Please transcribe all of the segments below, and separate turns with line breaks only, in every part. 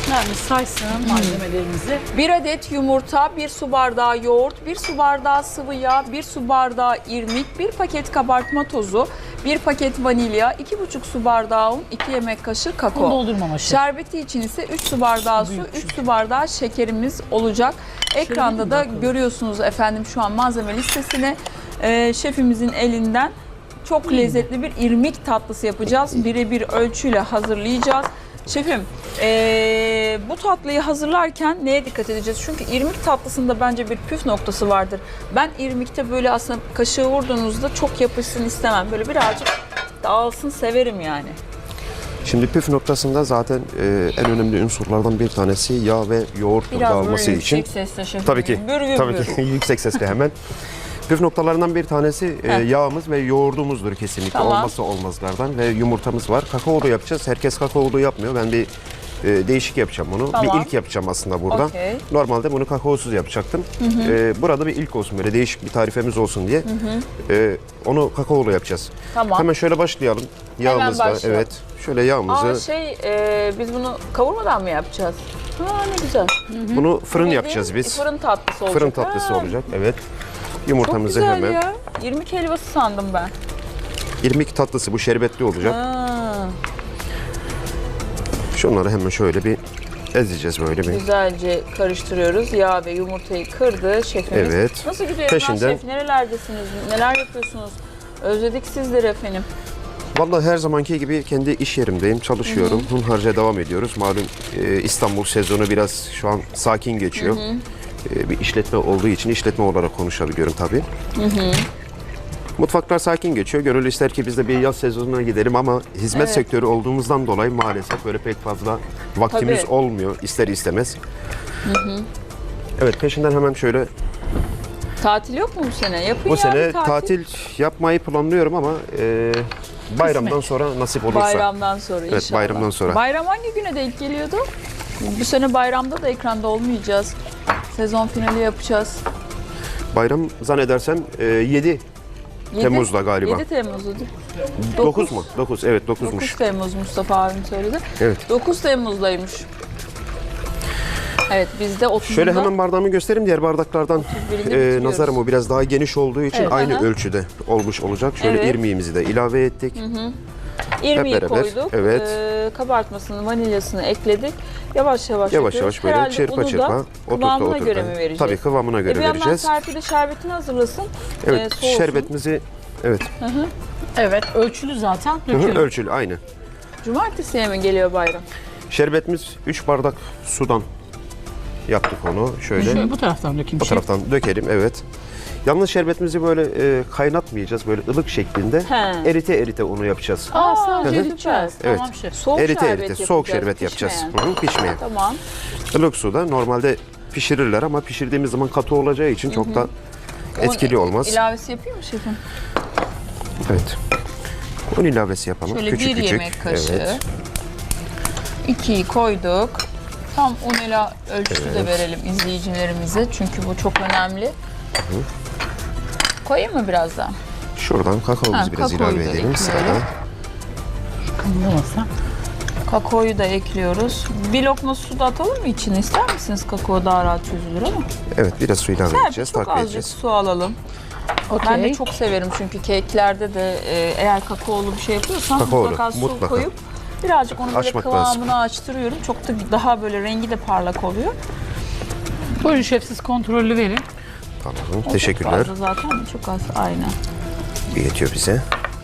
Yani saysın malzemelerimizi.
1 adet yumurta, 1 su bardağı yoğurt, 1 su bardağı sıvı yağ, 1 su bardağı irmik, 1 paket kabartma tozu, 1 paket vanilya, 2,5 su bardağı un, 2 yemek kaşığı
Bunu
kakao.
doldurmama şef.
Şerbeti için ise 3 su bardağı su, 3 su bardağı şekerimiz olacak. Ekranda da görüyorsunuz efendim şu an malzeme listesini. Şefimizin elinden çok lezzetli bir irmik tatlısı yapacağız. Birebir ölçüyle hazırlayacağız. Şefim, bu tatlıyı hazırlarken neye dikkat edeceğiz? Çünkü irmik tatlısında bence bir püf noktası vardır. Ben irmikte böyle aslında kaşığı vurduğunuzda çok yapışsın istemem. Böyle birazcık dağılsın severim yani.
Şimdi püf noktasında zaten en önemli unsurlardan bir tanesi yağ ve yoğurt dağılması için.
Yüksek sesle şefim.
Tabii ki. Tabii ki yüksek sesle hemen. Püf noktalarından bir tanesi yağımız ve yoğurdumuzdur kesinlikle.
Tamam.
Olmazsa olmazlardan ve yumurtamız var. Kakaolu yapacağız. Herkes kakaolu yapmıyor. Ben bir değişik yapacağım bunu.
Tamam.
Bir ilk yapacağım aslında burada.
Okey.
Normalde bunu kakaosuz yapacaktım. Burada bir ilk olsun, böyle değişik bir tarifemiz olsun diye. Onu kakaolu yapacağız.
Tamam.
Hemen şöyle başlayalım. Yağımızla,
başlayalım.
evet. Şöyle yağımızı,
Biz bunu kavurmadan mı yapacağız? Ha ne güzel.
bunu fırın
Bildiğin
yapacağız biz.
Fırın tatlısı olacak.
Fırın tatlısı
Ha,
olacak, evet.
Çok
Yumurtamızı
güzel
hemen.
ya. İrmik helvası sandım ben.
İrmik tatlısı, bu şerbetli olacak.
Ha,
Şunları hemen şöyle bir ezeceğiz böyle bir.
güzelce karıştırıyoruz. Yağ ve yumurtayı kırdı şefimiz.
Evet.
Nasıl gidiyor
Peşinden-
şef? Nerelerdesiniz? Neler yapıyorsunuz? Özledik sizleri efendim.
Vallahi her zamanki gibi kendi iş yerimdeyim, çalışıyorum. Hunharca devam ediyoruz. Malum İstanbul sezonu biraz şu an sakin geçiyor. Bir işletme olduğu için işletme olarak konuşabiliyorum tabii. Mutfaklar sakin geçiyor. Gönül ister ki biz de bir yaz sezonuna gidelim ama hizmet
Evet.
sektörü olduğumuzdan dolayı maalesef böyle pek fazla vaktimiz
Tabii.
olmuyor ister istemez. Evet, peşinden hemen şöyle
Tatil yok mu bu sene? Yapın
bu
ya
sene
bir
tatil yapmayı planlıyorum ama bayramdan sonra nasip olursa.
Bayramdan sonra inşallah.
Evet, bayramdan sonra.
Bayram hangi güne denk geliyordu? Bu sene bayramda da ekranda olmayacağız. Sezon finali yapacağız.
Bayram zannedersem 7 Temmuz'da galiba.
7 Temmuz'du.
9 mu? 9, evet 9'muş.
9 Temmuz Mustafa abim söyledi.
Evet.
9 Temmuz'daymış. Evet biz de 30'unda.
Şöyle hemen bardağımı göstereyim. Diğer bardaklardan
31'inde bitiriyoruz.
nazarım o biraz daha geniş olduğu için
Evet,
aynı
aha.
ölçüde olmuş olacak. Şöyle
Evet.
irmiğimizi de ilave ettik.
İrmiği
hep beraber,
koyduk.
evet.
Kabartmasını, vanilyasını ekledik. Yavaş yavaş
Yavaş
yapıyoruz.
yavaş böyle
Herhalde
çırpa
unu da
çırpa
kıvamına göre mi vereceğiz?
Tabii kıvamına göre
Bir yandan
vereceğiz.
Serpil de şerbetini hazırlasın.
Evet,
soğusun.
şerbetimizi evet
Evet, ölçülü zaten.
hı hı,
Döküyorum.
ölçülü aynı.
Cumartesiye mi geliyor bayram?
Şerbetimiz 3 bardak sudan yaptık onu. Şöyle
Şöyle bu taraftan dökeyim
bu
şef.
taraftan dökelim, evet. Yalnız şerbetimizi böyle kaynatmayacağız. Böyle ılık şeklinde
He.
erite onu yapacağız.
Sadece
Hı hı.
dökeceğiz.
Evet.
Tamam şef.
Soğuk
Erite
şerbet
erite, soğuk
yapacağız,
şerbet yapacağız.
pişmeyen.
Hı hı, pişmeyen.
Tamam.
Ilık suda normalde pişirirler ama pişirdiğimiz zaman katı olacağı için çok da etkili
Un
olmaz.
İlavesi yapayım mı şefim?
Evet. Un ilavesi yapalım.
Şöyle
küçük
bir
küçük.
yemek kaşığı.
Evet.
2'yi koyduk. Tam un ile ölçüsü de verelim izleyicilerimize. Çünkü bu çok önemli. Koyayım mı biraz daha?
Şuradan kakaomuzu
Ha,
biraz
kakaoyu
ilave
da
edelim
ekleyelim.
sırada.
Kımıldamasa.
Kakaoyu da ekliyoruz. Bir lokma su da atalım mı içine? İster misiniz? Kakao daha rahat çözülür ama.
Evet, biraz su ilave
Serpil
edeceğiz,
çok
takviye
azıcık
edeceğiz.
su alalım.
Okey.
Ben de çok severim çünkü keklerde de eğer kakaolu bir şey yapıyorsan
Kakaolu,
mutlaka su
mutlaka.
koyup birazcık onu böyle
Açmak
kıvamını
lazım.
açtırıyorum. Çok da daha böyle rengi de parlak oluyor.
Buyurun şef, siz kontrollü verin.
Tamam,
O çok
teşekkürler.
fazla zaten çok az. Aynen.
Yetiyor bize.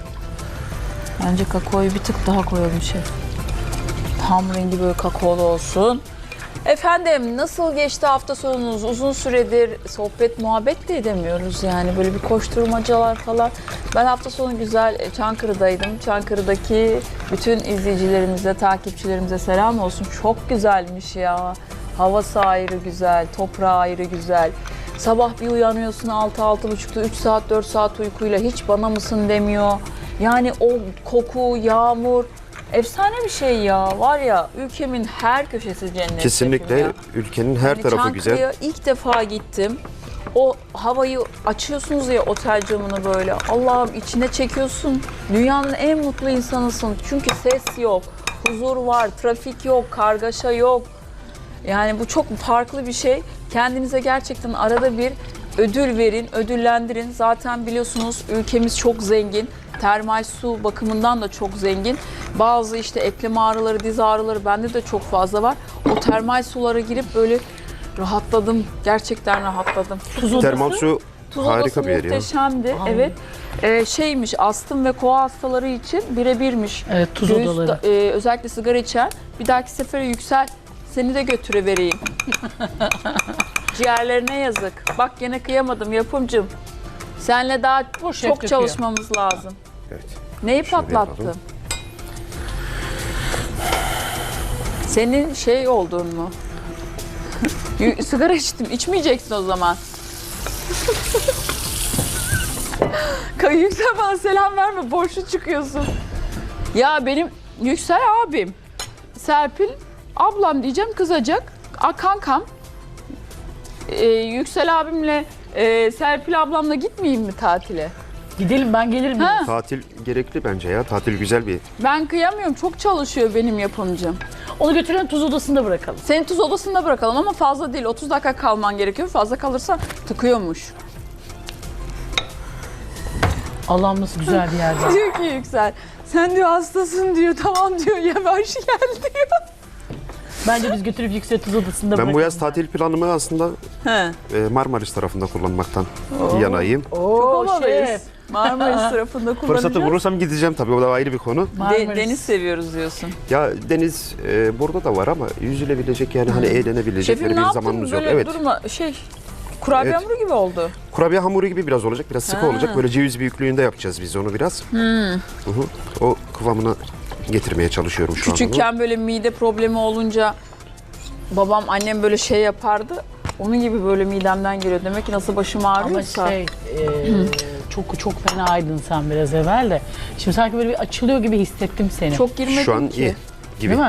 Bence kakaoyu bir tık daha koyalım şef. Tam rengi böyle kakaolu olsun. Efendim nasıl geçti hafta sonunuz? Uzun süredir sohbet muhabbet de edemiyoruz yani böyle bir koşturmacalar falan. Ben hafta sonu güzel Çankırı'daydım. Çankırı'daki bütün izleyicilerimize, takipçilerimize selam olsun. Çok güzelmiş ya. Havası ayrı güzel, toprağı ayrı güzel. Sabah bir uyanıyorsun 6-6.30'da 3 saat 4 saat uykuyla hiç bana mısın demiyor. Yani o koku, yağmur efsane bir şey ya. Var ya ülkemin her köşesi cennet.
Kesinlikle
ya.
ülkenin her
Yani
tarafı güzel.
Çankırı'ya ilk defa gittim. O havayı açıyorsunuz ya otel camını böyle. Allah'ım içine çekiyorsun. Dünyanın en mutlu insanısın. Çünkü ses yok, huzur var, trafik yok, kargaşa yok. Yani bu çok farklı bir şey. Kendinize gerçekten arada bir ödül verin, ödüllendirin. Zaten biliyorsunuz ülkemiz çok zengin. Termal su bakımından da çok zengin. Bazı işte eklem ağrıları, diz ağrıları bende de çok fazla var. O termal sulara girip böyle rahatladım. Gerçekten rahatladım.
Termal su
Tuz
harika
odası
bir yer ya.
muhteşemdi.
Aa.
Evet. Şeymiş, astım ve koa hastaları için birebirmiş.
Evet, tuz
Göğüs
odaları.
özellikle sigara içen. Bir dahaki sefere Yüksel seni de götürüvereyim. Ciğerlerine yazık. Bak gene kıyamadım yapımcım. Seninle daha
Boş
çok
yapıyor.
çalışmamız lazım.
Evet.
Neyi
Şöyle
patlattın?
yapalım.
Senin şey oldun mu? Sigara içtim. İçmeyeceksin o zaman. Yüksel bana selam verme. Boşlu çıkıyorsun. Ya benim Yüksel abim. Serpil ablam diyeceğim, kızacak. Kankam. Yüksel abimle Serpil ablamla gitmeyeyim mi tatile?
Gidelim, ben gelirim.
Ha.
Tatil gerekli bence ya. Tatil güzel bir.
Ben kıyamıyorum. Çok çalışıyor benim yapımcım.
Onu götürelim, tuz odasında bırakalım.
Seni tuz odasında bırakalım ama fazla değil. 30 dakika kalman gerekiyor. Fazla kalırsa tıkıyormuş.
Allah'ım nasıl güzel bir yer.
Diyor ki Yüksel, sen diyor hastasın diyor. Tamam diyor, yavaş gel diyor.
Bence biz götürüp Yüksel tuz odasında bırakalım.
Ben bu yaz tatil planımı aslında
He.
Marmaris tarafında kullanmaktan yanayım.
Çok
Oo,
havalıyız.
şef.
Marmaris tarafında kullanacağız.
Fırsatı bulursam gideceğim tabii, o da ayrı bir konu.
Marmaris.
Deniz seviyoruz diyorsun.
Ya deniz burada da var ama yüzülebilecek yani hani eğlenebilecek
Şefim
böyle
ne
bir
yaptın
zamanımız yok.
böyle
Evet.
durma kurabiye
Evet.
hamuru gibi oldu.
Kurabiye hamuru gibi biraz olacak, biraz sıkı
Ha.
olacak. Böyle ceviz büyüklüğünde yapacağız biz onu biraz. Hı hı. O kıvamına getirmeye çalışıyorum şu an.
Küçükken böyle mide problemi olunca babam annem böyle şey yapardı. Onun gibi böyle midemden geliyor. Demek ki nasıl başım
Ama
ağrıyorsa.
çok fenaydın sen biraz evvel de. Şimdi sanki böyle bir açılıyor gibi hissettim seni.
Çok girmedim
Şu an
ki.
iyi gibi.
Değil mi?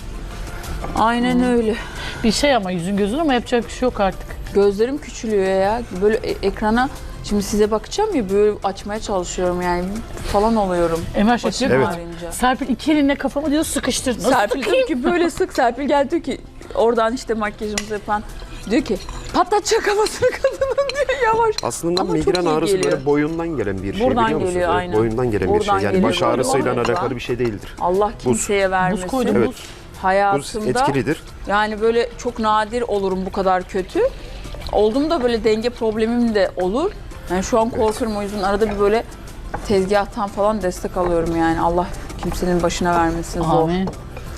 Aynen öyle.
Bir şey ama yüzün gözün, ama yapacak bir şey yok artık.
Gözlerim küçülüyor ya. Böyle ekrana şimdi size bakacağım ya, böyle açmaya çalışıyorum yani falan oluyorum.
Emel Şef
Başım
diyor ki,
Evet.
ağrıyınca.
Serpil iki elinle kafamı diyor sıkıştır. Nasıl
Serpil
sıkayım?
diyor ki böyle sık. Serpil geldi diyor ki oradan işte makyajımızı yapan diyor ki patlatacak kafasını kadının diyor, yavaş.
Aslında
Ama çok
migren
iyi
ağrısı
geliyor.
böyle boyundan gelen bir şey,
Buradan
biliyor musunuz?
geliyor,
Evet,
aynen.
boyundan gelen bir
Buradan
şey. Yani
geliyor.
baş ağrısıyla
Doğru.
alakalı bir şey değildir.
Allah kimseye vermesin.
Buz koydum,
Evet.
buz.
Buz
Hayatımda
etkilidir.
yani böyle çok nadir olurum bu kadar kötü. Oldum da böyle denge problemim de olur. Yani şu an korkuyorum, o yüzden arada bir böyle tezgahtan falan destek alıyorum yani. Allah kimsenin başına vermesin, zor.
Amin.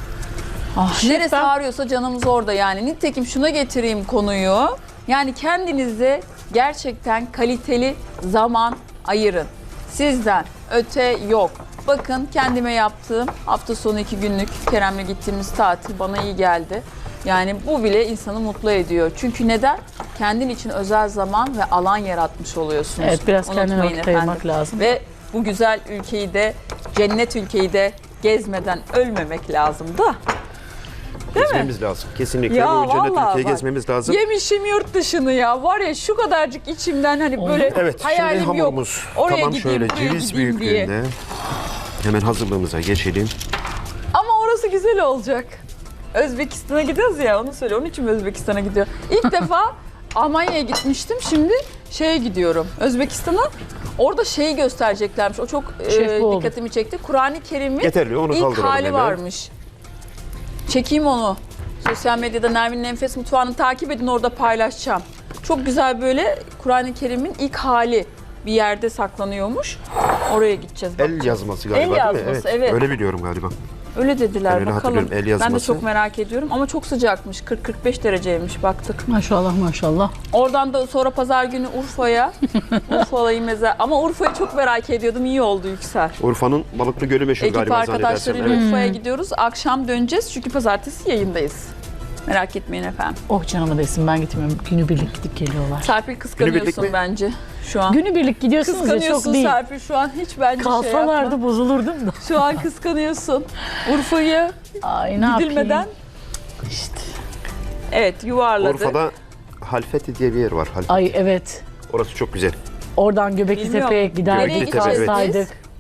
Neresi
ben-
ağrıyorsa canımız orada yani. Nitekim şuna getireyim konuyu. Yani kendinize gerçekten kaliteli zaman ayırın. Sizden öte yok. Bakın kendime yaptığım hafta sonu 2 günlük Kerem'le gittiğimiz tatil bana iyi geldi. Yani bu bile insanı mutlu ediyor. Çünkü neden? Kendin için özel zaman ve alan yaratmış oluyorsunuz.
Evet, biraz kendine
Unutmayın
vakit ayırmak
efendim.
lazım.
Ve bu güzel ülkeyi de, cennet ülkeyi de gezmeden ölmemek lazım da.
Gezmemiz lazım. Kesinlikle
Ya
bu cennet
vallahi
ülkeyi
bak,
gezmemiz lazım.
Yemişim yurt dışını ya. Var ya şu kadarcık içimden hani böyle
Evet,
hayalim
şimdi
yok.
hamurumuz
Oraya
tamam,
gideyim,
şöyle
buraya
ceviz
gideyim diye.
büyüklüğünde. Hemen hazırlığımıza geçelim.
Ama orası güzel olacak. Özbekistan'a gidiyoruz ya, onu söyle. Onun için mi Özbekistan'a gidiyor? İlk defa Almanya'ya gitmiştim. Şimdi şeye gidiyorum. Özbekistan'a. Orada şeyi göstereceklermiş. O çok
Şef bu oldu.
dikkatimi çekti. Kur'an-ı Kerim'in
Yeterli, onu
ilk
kaldıralım
hali
hemen.
varmış. Çekeyim onu. Sosyal medyada Nermin'in Enfes Mutfağı'nı takip edin, orada paylaşacağım. Çok güzel böyle Kur'an-ı Kerim'in ilk hali bir yerde saklanıyormuş. Oraya gideceğiz.
El yazması galiba,
El
değil mi?
yazması, evet.
Öyle biliyorum galiba.
Öyle dediler,
Ben öyle
bakalım.
hatırlıyorum, el
Ben de
yazması.
çok merak ediyorum ama çok sıcakmış. 40-45 dereceymiş, baktık.
Maşallah maşallah.
Oradan da sonra pazar günü Urfa'ya, Urfa'yı ama Urfa'yı çok merak ediyordum. İyi oldu Yüksel.
Urfa'nın Balıklı Gölü meşhur
Ekip
galiba zannedersem.
arkadaşlarıyla
Evet.
Urfa'ya gidiyoruz. Akşam döneceğiz çünkü pazartesi yayındayız. Merak etmeyin efendim.
Oh canıma değsin, ben gitmiyorum. Günübirlik gidip geliyorlar.
Serpil kıskanıyorsun
mi?
bence şu an.
Günübirlik gidiyorsunuz ya,
Kıskanıyorsun
çok değil.
Serpil şu an, hiç bence şey
Kalsalardı
yapma.
bozulurdum da.
Şu an kıskanıyorsun. Urfa'yı
Ay, ne
gidilmeden
yapayım? İşte.
evet yuvarladı.
Urfa'da Halfeti diye bir yer var. Halfeti.
Ay evet.
Orası çok güzel.
Oradan Göbekli
Bilmiyorum.
Tepe'ye giderdik,
Nereye gideceğiz
kalsaydık.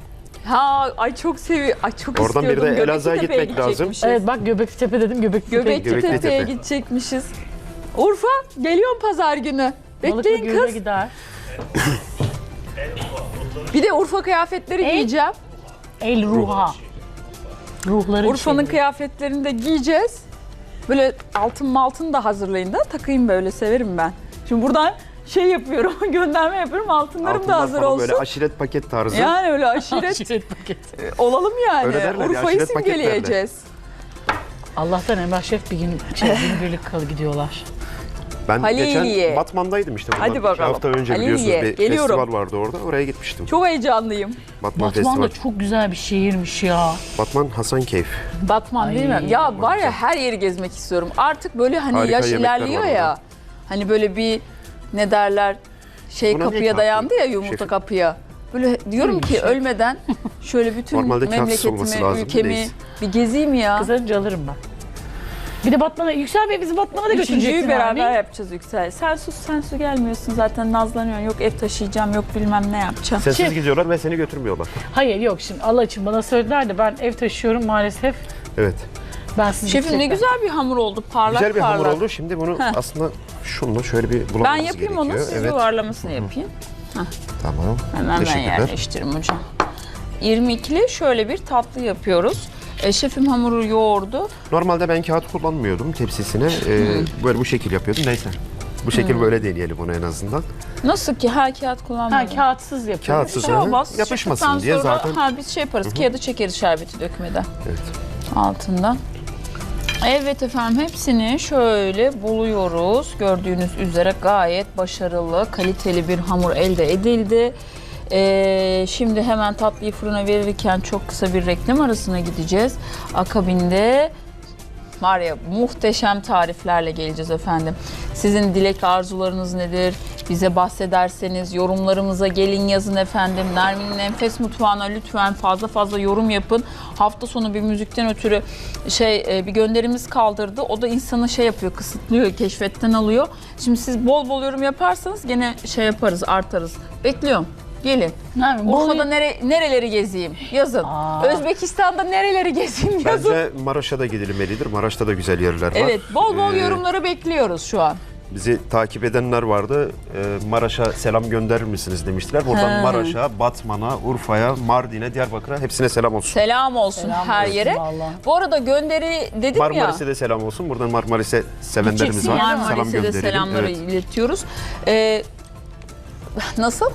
Ha, ay çok seviyorum. Ay çok
Oradan bir de
istiyordum.
Elazığ'a
Göbeklitepe'ye
gitmek lazım.
gidecekmişiz.
Evet bak Göbeklitepe dedim Göbeklitepe'ye
Göbeklitepe'ye
Göbeklitepe.
gidecekmişiz. Urfa geliyorum pazar günü.
Balıklı
Bekleyin
Göl'e
kız.
gider.
Bir de Urfa kıyafetleri giyeceğim.
El ruha. Ruhları
Urfa'nın
içeri.
kıyafetlerini de giyeceğiz. Böyle altın da hazırlayın da takayım, böyle severim ben. Şimdi buradan şey yapıyorum, gönderme yapıyorum, altınlarım da
Altınlar
hazır
falan
olsun.
Böyle aşiret paket tarzı.
Yani öyle aşiret
Aşiret paket.
olalım yani.
Öyle derler ya,
Urfa'yı
aşiret paket
simgeleyeceğiz.
Allah'tan Emrah Şef bir gün günübirlik gidiyorlar.
Ben
Haliliye.
geçen Batman'daydım işte.
Hadi
Bundan
bakalım.
2 hafta önce
Haliliye,
biliyorsunuz bir
geliyorum.
festival vardı orada. Oraya gitmiştim.
Çok heyecanlıyım.
Batman
Batman da
Festival.
çok güzel bir şehirmiş ya.
Batman Hasankeyf.
Batman değil mi?
Ay,
Ya var ya, her yeri gezmek istiyorum. Artık böyle hani
Harika
yaş
yemekler
ilerliyor
var
ya.
orada.
Hani böyle bir ne derler, şey
Buna ne
kapıya
kahve?
dayandı ya, yumurta
Şefim.
kapıya. Böyle diyorum ki ölmeden şöyle bütün
Normalde kağıtsız olması
memleketimi,
lazım,
ülkemi
neyse.
bir gezeyim ya.
Kızarınca alırım ben. Bir de Batman'a, Yüksel Bey bizi Batman'a da götüreceksin
Üçüncüyü beraber
hani.
yapacağız Yüksel. Sen sus gelmiyorsun zaten, nazlanıyorsun. Yok ev taşıyacağım, yok bilmem ne yapacağım.
Sensiz gidiyorlar ve seni götürmüyorlar.
Hayır yok şimdi Allah için bana söylediler de ben ev taşıyorum maalesef.
Evet.
Ben sizi
Şefim ne
gidecekler.
güzel bir hamur oldu, parlak
Güzel bir
parlak.
hamur oldu. Şimdi bunu aslında şunla şöyle bir bulamamız
Ben
gerekiyor.
yapayım onu, siz
Evet.
yuvarlamasını yapayım.
Tamam.
Hemen ben
Teşekkürler.
yerleştiririm hocam. 22'li şöyle bir tatlı yapıyoruz. Şefim hamuru yoğurdu.
Normalde ben kağıt kullanmıyordum tepsisine. Böyle bu şekil yapıyordum. Neyse. Bu şekil böyle deneyelim onu en azından.
Nasıl ki her kağıt
Ha
kullanmıyorum.
kağıtsız yapıyorum.
Kağıtsız
Şey
hı hı.
olmaz.
Yapışmasın
Çıktıktan
diye
sonra,
zaten.
Ha, biz şey yaparız, kağıdı çekeriz şerbeti dökmeden
Evet.
altından. Evet efendim, hepsini şöyle buluyoruz. Gördüğünüz üzere gayet başarılı, kaliteli bir hamur elde edildi. Şimdi hemen tatlıyı fırına verirken çok kısa bir reklam arasına gideceğiz. Akabinde var ya, muhteşem tariflerle geleceğiz efendim. Sizin dilek arzularınız nedir? Bize bahsederseniz yorumlarımıza gelin, yazın efendim. Nermin'in Enfes Mutfağı'na lütfen fazla yorum yapın. Hafta sonu bir müzikten ötürü bir gönderimiz kaldırdı. O da insanı şey yapıyor, kısıtlıyor, keşfetten alıyor. Şimdi siz bol bol yorum yaparsanız gene şey yaparız, artarız. Bekliyorum. Gelin. Urfa'da nereleri gezeyim? Yazın. Özbekistan'da nereleri gezeyim? Yazın.
Bence Maraş'a da gidilmelidir. Maraş'ta da güzel yerler var.
Evet, bol bol
Ee,
yorumları bekliyoruz şu an.
Bizi takip edenler vardı. Maraş'a selam gönderir misiniz demiştiler. Buradan Maraş'a, Batman'a, Urfa'ya, Mardin'e, Diyarbakır'a hepsine selam olsun.
Selam olsun
Selam
her
olsun
yere.
vallahi.
Bu arada gönderi dedim ya.
Marmaris'e de selam olsun. Buradan Marmaris'e sevenlerimiz
Gideceksin
var.
Marmaris'e de
gönderelim.
selamları
Evet.
iletiyoruz. Nasıl?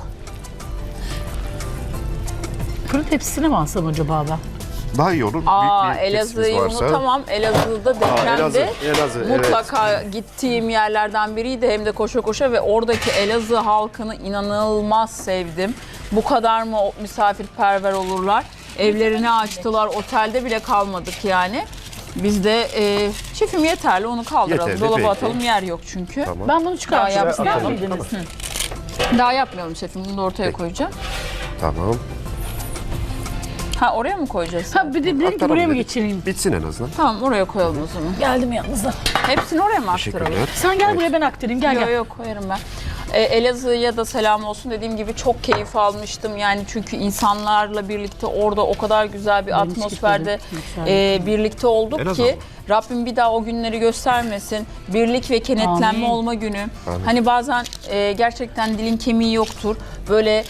Fırın tepsisine mi alsam acaba ben?
Daha iyi olur. Büyük bir
Elazığ'ı
tepsimiz varsa.
unutamam. Elazığ'da depremde
Elazığ, evet.
mutlaka gittiğim yerlerden biriydi. Hem de koşa koşa ve oradaki Elazığ halkını inanılmaz sevdim. Bu kadar mı misafirperver olurlar? Evlerini açtılar. Otelde bile kalmadık yani. Biz de şefim yeterli, onu kaldıralım.
Yeterli,
Dolaba
peki.
atalım, yer yok çünkü.
Tamam.
Ben bunu çıkartacağım.
Daha
İster
yapmayalım.
miydiniz?
Daha yapmayalım şefim. Bunu da ortaya koyacağım.
Tamam.
Ha, oraya mı koyacağız?
Ha bir de dedim ki
Aktaralım
buraya mı
dedik.
geçireyim?
Bitsin en azından.
Tamam, oraya koyalım o zaman.
Geldim yanınıza.
Hepsini oraya mı aktaralım?
Teşekkürler.
Sen gel buraya ben aktarayım. Gel
Yok
gel.
yok, koyarım ben. Elazığ'a da selam olsun. Dediğim gibi çok keyif almıştım. Yani çünkü insanlarla birlikte orada o kadar güzel bir
Ben hiç
atmosferde
gitmedim.
birlikte olduk
Elazığ
ki
mı?
Rabbim bir daha o günleri göstermesin. Birlik ve kenetlenme
Amin.
olma günü.
Amin.
Hani bazen gerçekten dilin kemiği yoktur. Böyle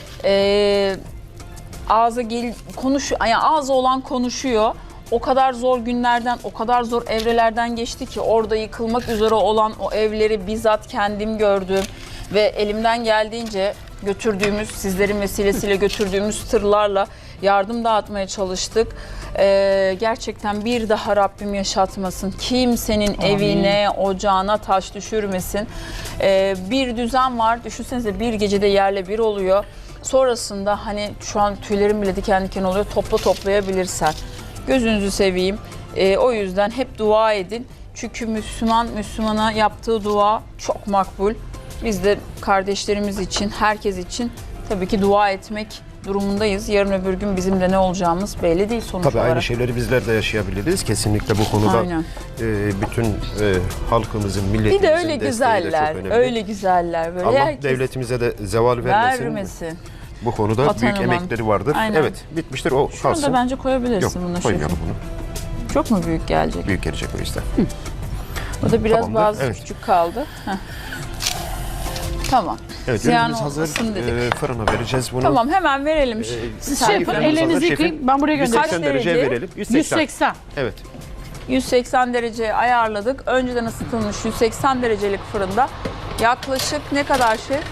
ağzı olan konuşuyor. O kadar zor günlerden, o kadar zor evrelerden geçti ki orada yıkılmak üzere olan o evleri bizzat kendim gördüm ve elimden geldiğince götürdüğümüz, sizlerin vesilesiyle götürdüğümüz tırlarla yardım dağıtmaya çalıştık. Gerçekten bir daha Rabbim yaşatmasın. Kimsenin evine, ocağına taş düşürmesin. Bir düzen var. Düşünsenize, bir gecede yerle bir oluyor. Sonrasında hani şu an tüylerim bile diken diken oluyor. Toplayabilirsen. Gözünüzü seveyim. O yüzden hep dua edin. Çünkü Müslümana yaptığı dua çok makbul. Biz de kardeşlerimiz için, herkes için tabii ki dua etmek durumundayız. Yarın öbür gün bizim de ne olacağımız belli değil sonuç
Tabii
olarak.
aynı şeyleri bizler de yaşayabiliriz. Kesinlikle bu konuda
Aynen.
bütün halkımızın, milletimizin
Bir de öyle
desteği de
güzeller,
çok önemli.
öyle güzeller böyle.
Allah
herkes
devletimize de zeval vermesin.
vermesin.
Bu konuda büyük
Atanamam.
emekleri vardır.
Aynen.
Evet, bitmiştir, o
Şunu
kalsın.
da bence koyabilirsin
Yok,
buna şefim.
koymayalım bunu.
Çok mu büyük gelecek?
Büyük gelecek o yüzden.
O da biraz
Tamamdır,
bazı
evet.
küçük kaldı. Heh. Tamam.
Evet,
Ziyan
ürünümüz hazır.
olmasın dedik.
Fırına vereceğiz bunu.
Tamam, hemen verelim.
Siz
Serpil
şef
Hanım.
ellerinizi
hazır
yıkayın.
şefim.
Ben buraya göndereceğim.
180
Kaç
dereceye
derece?
verelim. 180.
180.
Evet.
180 derece ayarladık. Önceden ısıtılmış 180 derecelik fırında yaklaşık ne kadar şef?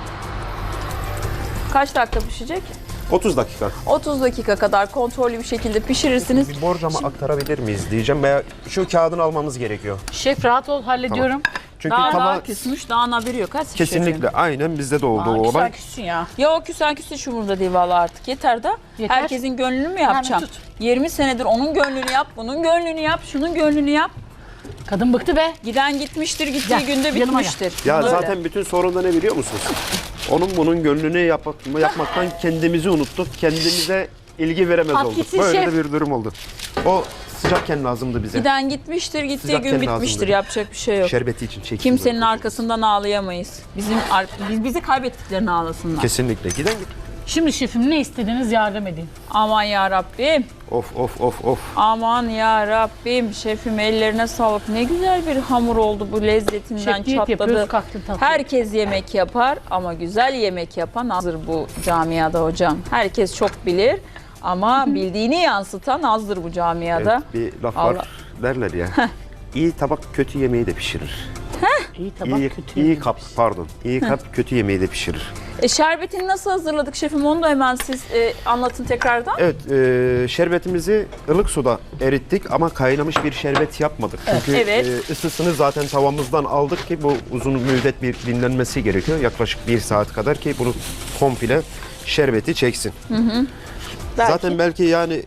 Kaç dakika pişecek?
30 dakika.
30 dakika kadar kontrollü bir şekilde pişirirsiniz.
Bir borcama aktarabilir miyiz diyeceğim veya şu kağıdını almamız gerekiyor.
Şef rahat ol, hallediyorum.
Çünkü
Daha
tava
küsmüş, daha haberi yok. Hadi
kesinlikle
şefim.
aynen bizde de oldu
Aa,
o
güzel
olay.
küssün ya.
Ya küsen hiç umurumda değil vallahi artık. Yeter da
Yeter.
herkesin gönlünü mü yapacağım?
tut.
20 senedir onun gönlünü yap, bunun gönlünü yap, şunun gönlünü yap.
Kadın bıktı be.
Giden gitmiştir, gittiği
Gel,
günde
yanıma
bitmiştir.
Ya
Böyle.
zaten bütün sorun da ne biliyor musunuz? Onun bunun gönlünü yapmaktan kendimizi unuttuk. Kendimize ilgi veremez
At
olduk.
gitsin
Böyle
şef.
de bir durum oldu. O sıcakken lazımdı bize.
Giden gitmiştir, gittiği
Sıcakken
gün bitmiştir.
lazımdı.
Yapacak bir şey yok.
Şerbeti için çektim.
Kimsenin arkasından ağlayamayız. Biz bizi kaybettiklerini ağlasınlar.
Kesinlikle. Giden git.
Şimdi şefim ne istediğiniz yardım edin.
Aman ya Rabbim.
Of of of of.
Aman ya Rabbim. Şefim ellerine sağlık. Ne güzel bir hamur oldu bu lezzetinden
Şef diyet yapıyoruz,
çatladı.
kalktın tatlı.
Herkes yemek yapar ama güzel yemek yapan azdır bu camiada hocam. Herkes çok bilir ama bildiğini yansıtan azdır bu camiada.
Evet, bir laf
Allah.
var derler ya. İyi tabak kötü yemeği de pişirir.
İyi tabak
İyi,
kötü.
iyi kap pardon. İyi kap kötü yemeği de pişirir.
Şerbetini nasıl hazırladık şefim? Onu da hemen siz anlatın tekrardan.
Evet, şerbetimizi ılık suda erittik ama kaynamış bir şerbet yapmadık. Çünkü
Evet.
ısısını zaten tavamızdan aldık ki bu uzun müddet bir dinlenmesi gerekiyor. Yaklaşık 1 saat kadar ki bunu komple şerbeti çeksin.
Belki.
Zaten belki yani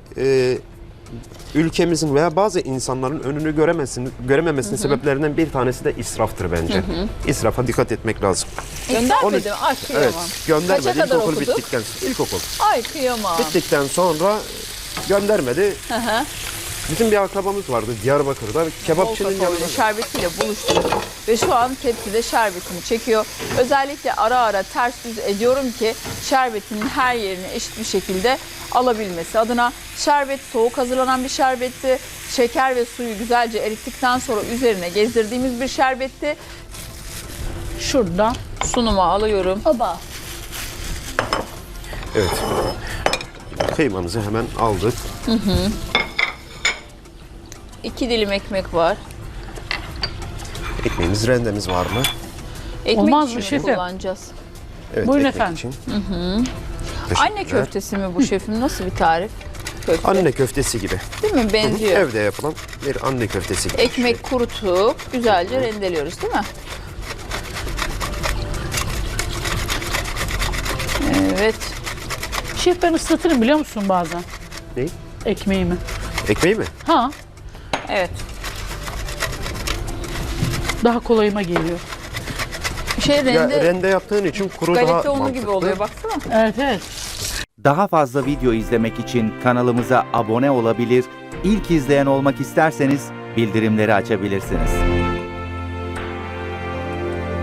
ülkemizin veya bazı insanların önünü görememesinin sebeplerinden bir tanesi de israftır bence. İsrafa dikkat etmek lazım.
Göndermedim. Ay kıyamam.
Evet, göndermedi.
Kaça kadar
İlkokul
okuduk?
bittikten ilkokul.
Ay kıyamam.
Bittikten sonra göndermedi.
Hı hı.
Bizim bir akrabamız vardı Diyarbakır'da. Kebapçının
Bol kakaoyla
yanında.
şerbetiyle buluşturduk ve şu an tepside şerbetini çekiyor. Özellikle ara ara ters düz ediyorum ki şerbetinin her yerini eşit bir şekilde alabilmesi adına. Şerbet soğuk hazırlanan bir şerbetti. Şeker ve suyu güzelce erittikten sonra üzerine gezdirdiğimiz bir şerbetti.
Şuradan.
Sunuma alıyorum.
Oba.
Evet. Kıymamızı hemen aldık.
2 dilim ekmek var.
Ekmeğimiz, rendemiz var mı?
Ekmek
Olmaz
için
mı
mi
şefim?
kullanacağız?
Evet,
Buyurun
ekmek
efendim.
için.
Anne
Teşekkürler.
köftesi mi bu şefim? Nasıl bir tarif? Köfte.
Anne köftesi gibi.
Değil mi? Benziyor.
Evde yapılan bir anne köftesi gibi.
Ekmek kurutup güzelce rendeliyoruz değil mi? Evet.
Şef ben ıslatırım biliyor musun bazen
Ne?
ekmeğimi.
Ekmeği mi?
Ha,
Evet.
daha kolayıma geliyor.
Şey rende,
Ya rende yaptığın için kuru daha
galeta unu
mantıklı.
gibi oluyor baksana.
Evet evet.
Daha fazla video izlemek için kanalımıza abone olabilir, ilk izleyen olmak isterseniz bildirimleri açabilirsiniz.